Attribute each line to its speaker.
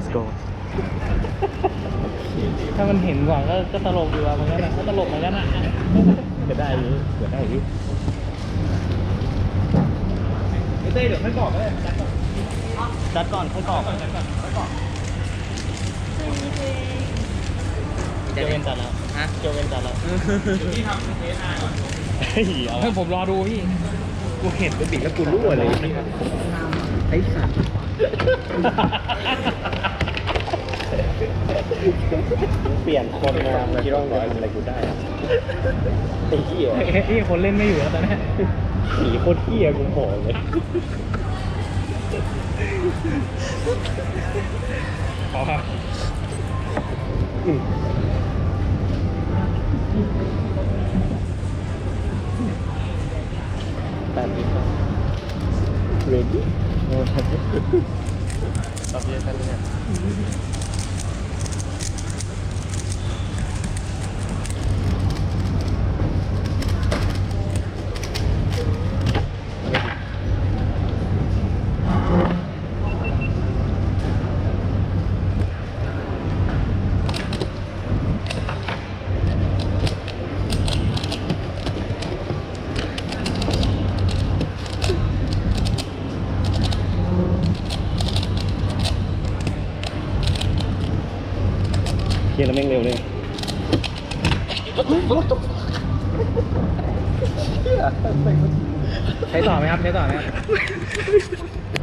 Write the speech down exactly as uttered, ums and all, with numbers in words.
Speaker 1: go
Speaker 2: ถ้ามันเห็นก่อนก็ก็ตลกดีว่ะมันก็นะก็ตลกเหมือนกันนะจะได้หรือเกิดได้หรือเต้เดี๋ยวค่อยกรอกก็ได้จัดก่อนค่อยกรอกจัดก่อนค่อยกรอกเจเวนจัดแล้วฮะเจเวนจัดแล้วพี่ทำเทสอาก่อนเฮ้ยเอาผมรอดูพี่กูเห็นเป็นบิดแล้วกูรู้เลยไอ้สัตว์เปลี่ยนคนงามคิดว่าร้อยอะไรกูได้ไอ้เหี้ยไอ้คนเล่นไม่อยู่แล้วตอนนี้ผีโคตรเหี้ยกูโผล่เลยขอครับตามนี้ครับ ready ตอบเยอะกันเลยเนี่ยเฮียแล้วแม่งเร็วเลยใช้ต่อไหมครับใช้ต่อไหมครับ